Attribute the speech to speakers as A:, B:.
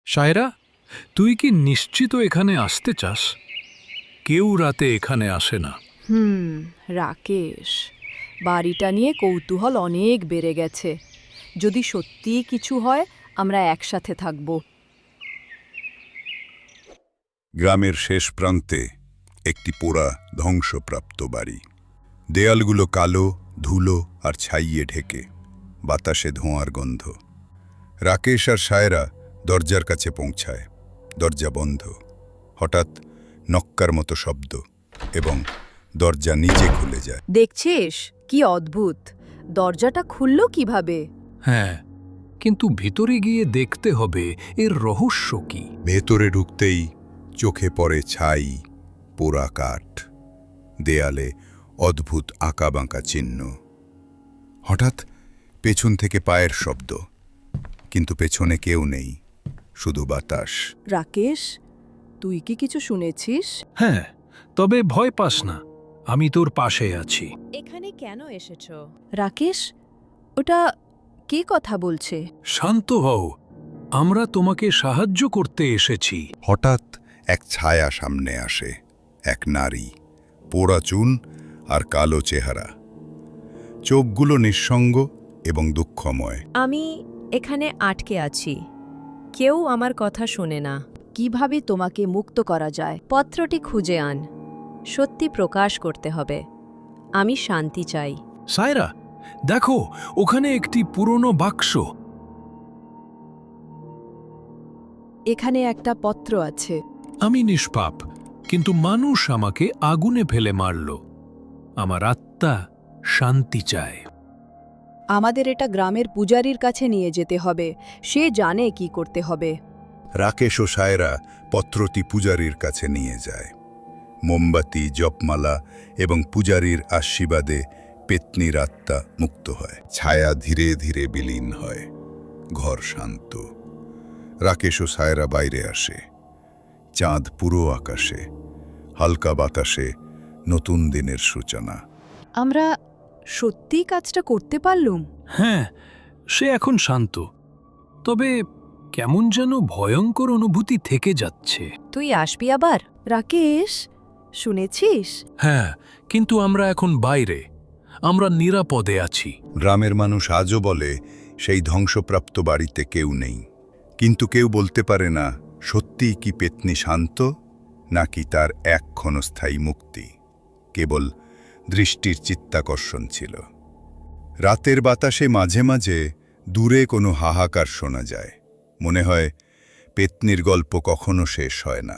A: সায়রা, তুই কি নিশ্চিত এখানে আসতে চাস? কেউ রাতে এখানে আসে না।
B: রাকেশ, বাড়িটা নিয়ে কৌতূহল অনেক বেড়ে গেছে। যদি সত্যিই কিছু হয় আমরা একসাথে থাকব।
C: গ্রামের শেষ প্রান্তে একটি পোড়া ধ্বংসপ্রাপ্ত বাড়ি। দেয়ালগুলো কালো, ধুলো আর ছাইয়ে ঢেকে, বাতাসে ধোঁয়ার গন্ধ। রাকেশ আর সায়রা দরজার কাছে পৌঁছায়। দরজা বন্ধ। হঠাৎ নক্কার মতো শব্দ এবং দরজা নিজে খুলে যায়।
B: দেখছিস কি অদ্ভুত, দরজাটা খুলল কিভাবে?
A: হ্যাঁ, কিন্তু ভিতরে গিয়ে দেখতে হবে এর রহস্য কি।
C: ভেতরে ঢুকতেই চোখে পড়ে ছাই, পোড়া কাঠ, দেয়ালে অদ্ভুত আঁকাবাঁকা চিহ্ন। হঠাৎ পেছন থেকে পায়ের শব্দ, কিন্তু পেছনে কেউ নেই, শুধু বাতাস।
B: রাকেশ, তুই কি কিছু শুনেছিস?
A: হ্যাঁ, তবে ভয় পাস না, আমি তোর পাশে আছি।
D: এখানে কেন এসেছো?
B: রাকেশ, ওটা কে কথা বলছে?
A: শান্ত হও, আমরা তোমাকে সাহায্য করতে এসেছি।
C: হঠাৎ এক ছায়া সামনে আসে, এক নারী, পোড়া চুল আর কালো চেহারা, চোখগুলো নিঃসঙ্গ এবং দুঃখময়।
D: আমি এখানে আটকে আছি, কেউ আমার কথা শোনে না।
B: কিভাবে তোমাকে মুক্ত করা যায়?
D: পত্রটি খুঁজে আন, সত্যি প্রকাশ করতে হবে। আমি শান্তি চাই।
A: সায়রা, দেখো, ওখানে একটি পুরনো বাক্স।
B: এখানে একটা পত্র আছে।
A: আমি নিষ্পাপ, কিন্তু মানুষ আমাকে আগুনে ফেলে মারল। আমার আত্মা শান্তি চায়।
B: আমাদের এটা গ্রামের পূজারীর কাছে নিয়ে যেতে হবে, সে জানে কি করতে হবে।
C: রাকেশ ও সায়রা পত্রটি পূজারীর কাছে নিয়ে যায়। মোমবাতি, জপমালা এবং পূজারীর আশীর্বাদে পেত্নীর আত্মা মুক্ত হয়। ছায়া ধীরে ধীরে বিলীন হয়। ঘর শান্ত। রাকেশ ও সায়রা বাইরে আসে। চাঁদ পুরো আকাশে, হালকা বাতাসে নতুন দিনের সূচনা।
B: আমরা সত্যিই কাজটা করতে পারলুম।
A: হ্যাঁ, সে এখন শান্ত, তবে কেমন যেন ভয়ঙ্কর অনুভূতি থেকে যাচ্ছে।
D: তুই আসবি আবার?
B: রাকেশ, শুনেছিস?
A: হ্যাঁ, কিন্তু আমরা এখন বাইরে, আমরা নিরাপদে আছি।
C: গ্রামের মানুষ আজও বলে সেই ধ্বংসপ্রাপ্ত বাড়িতে কেউ নেই, কিন্তু কেউ বলতে পারে না সত্যিই কি পেত্নী শান্ত, নাকি তার এক ক্ষণস্থায়ী মুক্তি কেবল দৃষ্টির চিত্তাকর্ষণ ছিল। রাতের বাতাসে মাঝে মাঝে দূরে কোনো হাহাকার শোনা যায়। মনে হয় পেত্নীর গল্প কখনো শেষ হয় না।